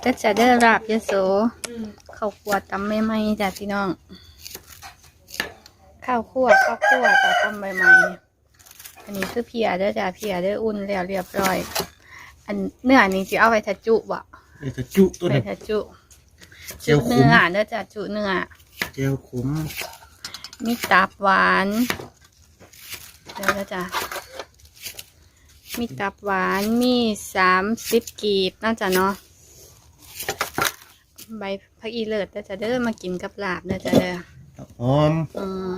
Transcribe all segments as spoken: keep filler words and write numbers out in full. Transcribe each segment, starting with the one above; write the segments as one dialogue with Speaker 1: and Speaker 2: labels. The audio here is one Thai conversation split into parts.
Speaker 1: ก็จะได้ราบยโสข้าวคั่วตำใหม่ๆจ้ะพี่น้องข้าวคั่วข้าวคั่วแต่ตำใหม่ๆอันนี้คือเพียเด้อจ้ะเพียเด้ออุ่นแล้วเรียบร้อยอันเนื้อนี้จะเอาไปทัดจุบ่
Speaker 2: ไปทัดจุตัว
Speaker 1: ไป
Speaker 2: นี้
Speaker 1: ทัดจุจุเนื้อเด้อจ้ะจุเนื้อ
Speaker 2: เจียวขม
Speaker 1: มีตับหวานเดี๋ยวนะจ้ะมีตับหวานมีสามสิบกีบน่าจะเนาะใบผักอีเลิศเด้อจ้ะเด้อมากินกับลาบเด้อจ้ะเด้อ
Speaker 2: หอม
Speaker 1: อืม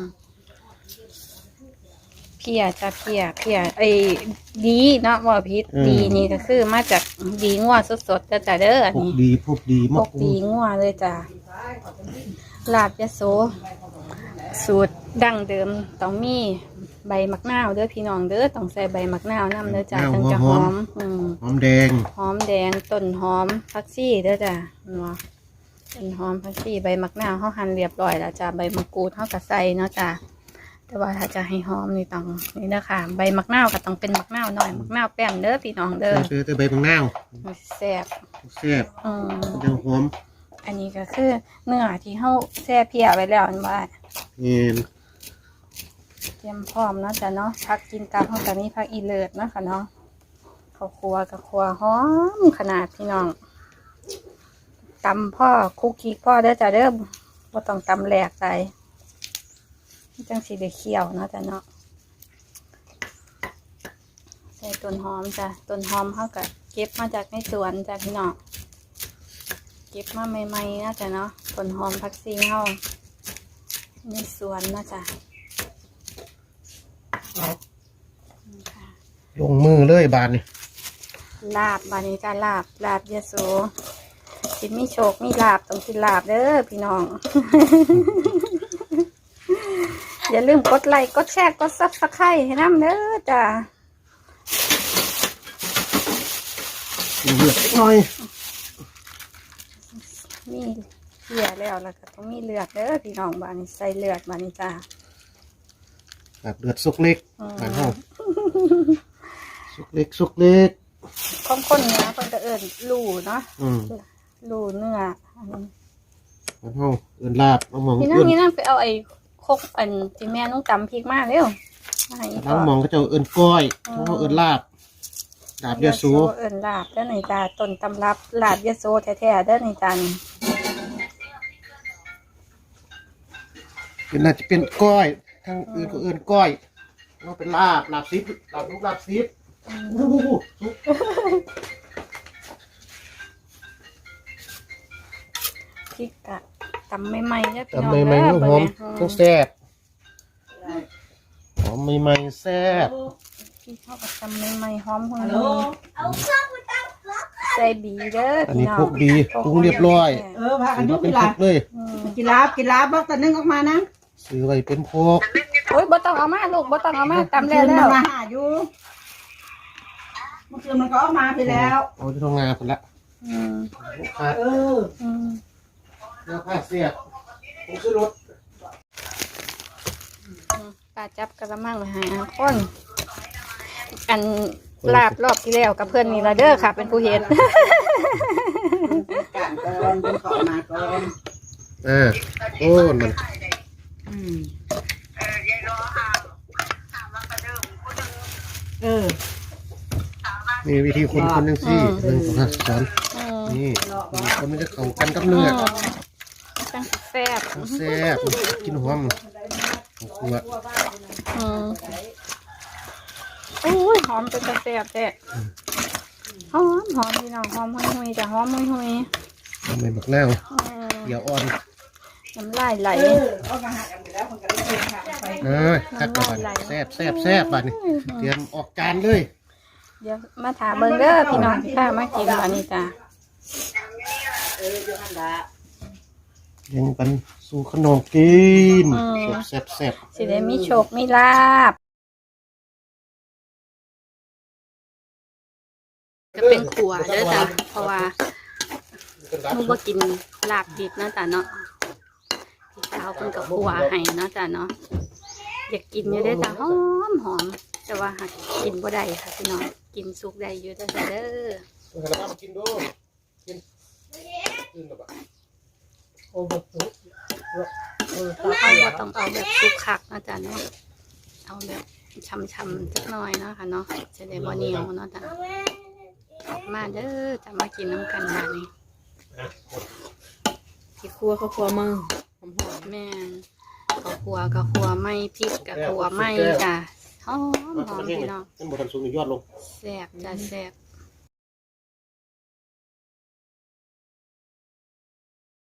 Speaker 1: เพียจ้ะเพียเพียไอ้ดีเนาะว่าพิษดีนี่ก็คือมาจากดีงัวสดๆเด้อจ้ะเด้ออัน
Speaker 2: พวก
Speaker 1: นี้
Speaker 2: ดีพวกดี
Speaker 1: พวกดีงัวเลยจ้ะลาบยโสสูตรดั้งเดิมต้องมีใบมะนาวเด้อพี่น้องเด้อต้องใส่ใบมะนาวน้ำเด้อจ้ะถึงจะหอมอืม
Speaker 2: หอมแดง
Speaker 1: หอมแดงต้นหอมผักชีเด้อจ้ะเนาะต้นหอมผักชีใบมะนาวเขาหั่นเรียบร้อยแล้วจ้ะใบมะกรูดเขาก็ใส่เนาะจ้ะแต่ว่าถ้าจะให้หอมนี่ต้องนี่นะค่ะใบมะนาวก็ต้องเป็นมะนาวหน่อยมะนาวแป้นเด้อพี่น้องเด้อ
Speaker 2: ซื้อแต่ใบมะนาว
Speaker 1: แซ่บ
Speaker 2: แซ่บ
Speaker 1: อืม
Speaker 2: เจียวหอม
Speaker 1: อันนี้ก็คือเนื้อที่เขาแช่เพียไว้แล้วอันว่า
Speaker 2: เงี้ย
Speaker 1: เตรียมพร้อมเนาะจ้ะเนาะผักกินกับเขาจะมีผักอีเลิศเนาะค่ะเนาะข้าวคั่วกับคั่วหอมขนาดพี่น้องตำพ่อคุกกี้พ่อเด้อจ้ะเด้อบ่ต้องตำแหลกใส่จังสีได้เคี่ยวเนาะจ้ะเนาะใส่ต้นหอมจ้ะต้นหอมเขาก็เก็บมาจากในสวนจ้ะพี่น้องเก็บมาใหม่ๆนะจ้ะเนาะต้นหอมผักชีเขาในสวนนะจ้ะ
Speaker 2: ลงมือเลยบานนี่
Speaker 1: ลาบบานนี้จ้ะลาบลาบยโสกินมีโชคมีลาบต้องกินลาบเด้อพี่น้อง อย่าลืมกดไลค์กดแชร์กดซับสไครต์ให้น้ำเด้อจ้ะ
Speaker 2: เลือดหน่อย
Speaker 1: มีเสียแล้วแล้วก็ต้องมีเลือดเด้อพี่น้องบานนี้ใส่เลือดบานนี้จ้ะ
Speaker 2: แบบเลือดสุกเล็กบานห้องสุกเล็กสุกเล็ก
Speaker 1: ข้นข้นเนื้อคนจะเอิญลูเนาะลูเนื้อ
Speaker 2: บ้านห้องเอิญลาบน้องมอง
Speaker 1: นี่นั่งนี่นั่งไปเอาไอ้คกอันที่แม่น้องจำพริกมากเร็ว
Speaker 2: น้องมองก็จะเอิญก้อยน้องเอิญลาบลาบยโส
Speaker 1: เอิญลาบเด้อในตาต้นตำรับลาบยโสแท้ๆเด้อในตานี่
Speaker 2: เป็นน่าจะเป็นก้อยทางอื่นก็เอิญก้อยเราเป็นลาบลาบซิปลาบลูกลาบซิป
Speaker 1: พริกกะตำใหม่ๆเนี่ยพี่น้อง
Speaker 2: ตำใหม่ๆหอมต้องแซ่บหอมใหม่ๆแซ่บ
Speaker 1: พี่ชอบตำใหม่ๆหอมหุ่นใส่บีเด้อ
Speaker 2: อันนี้พวกดีปรุงเรียบร้อย
Speaker 3: เออพากันดู
Speaker 2: เป็นพวกเลย
Speaker 3: กีฬากีฬาบอกแต่นึงออกมานะ
Speaker 2: ซื้อไว้เป็นพวก
Speaker 1: โอ้ยบ่ต้องเอามาลูกบ่ต้องเอามาตำแล้วแล้ว
Speaker 3: มาหาอยู่เมื่อคืนมันก็ออกมาไปแล้ว
Speaker 2: โอ้ยทำงานคนละ
Speaker 1: อืม
Speaker 3: เออ
Speaker 1: อืม
Speaker 2: แล้วผ้าเสียบผมซื้อรถ
Speaker 1: ปลาจับกระมังมาหาคนอันลาบรอบที่แล้วกับเพื่อนนี่ละเด้อค่ะเป็นผู้เห็น
Speaker 3: การก่อนเป็นขอมาก่อน
Speaker 2: อ่าโอ้มัน
Speaker 3: เออ
Speaker 2: มีวิธีคนคนหนึ่งสิหนึ่งของสอนนี่คนมันจะเข้ากันกับเนื้อ
Speaker 1: จังแซ่บ
Speaker 2: แซ่บกินหอมขวด
Speaker 1: โอ้ยหอมเป็นแซ่บแท้หอมหอมพี่น้องหอมหุยๆจ้ะหอมหุย
Speaker 2: ๆทำไมบักแล้วเดี๋ยวอ่อน
Speaker 1: น้ำลายไหล
Speaker 2: เออตักก่อนแซ่บแซ่บแซ่บบัดนี้เตรียมออกจานเลย
Speaker 1: เดี๋ยวมาถามเบิ้งเด้อพี่น้องที่ข้ามากินอันนี้จ้ะ
Speaker 2: ยังเป็นสู่ขนมกินแซ่บแซ่บ
Speaker 1: สิได้มีโชคมีลาบจะเป็นขัวเด้อจ้ะเพราะว่ามึงบ่กินลาบดิบนะจ้ะเนาะพี่สาวเพิ่นกับขัวให้เนาะจ้ะเนาะอยากกินอยู่ได้จ้ะหอมหอมแต่ว่าหากกินบ่ได้ค่ะพี่น้องกินสุกได้อยู่แต่เด้อ
Speaker 2: อื่นกับ
Speaker 3: โอ้แบบสุกเออ
Speaker 1: เอาบ่ต้องเอาแบบสุกคักนะจ๊ะเนาะเอาแบบช่ำๆสักหน่อยเนาะค่ะเนาะจะได้บ่เหนียวเนาะจ้ะมาเด้อจะมากินน้ำกันแบบนี้
Speaker 3: ที่ครัวเขาครัวมึงหอมหอม
Speaker 1: แม่นข้าวคั่วกับคั่วไม่พริกกับคั่วไม่จ้ะหอมหอมพี่น้อง
Speaker 2: นั่นบทันสูงยอดลง
Speaker 1: แซ่บจ้ะแซ่บ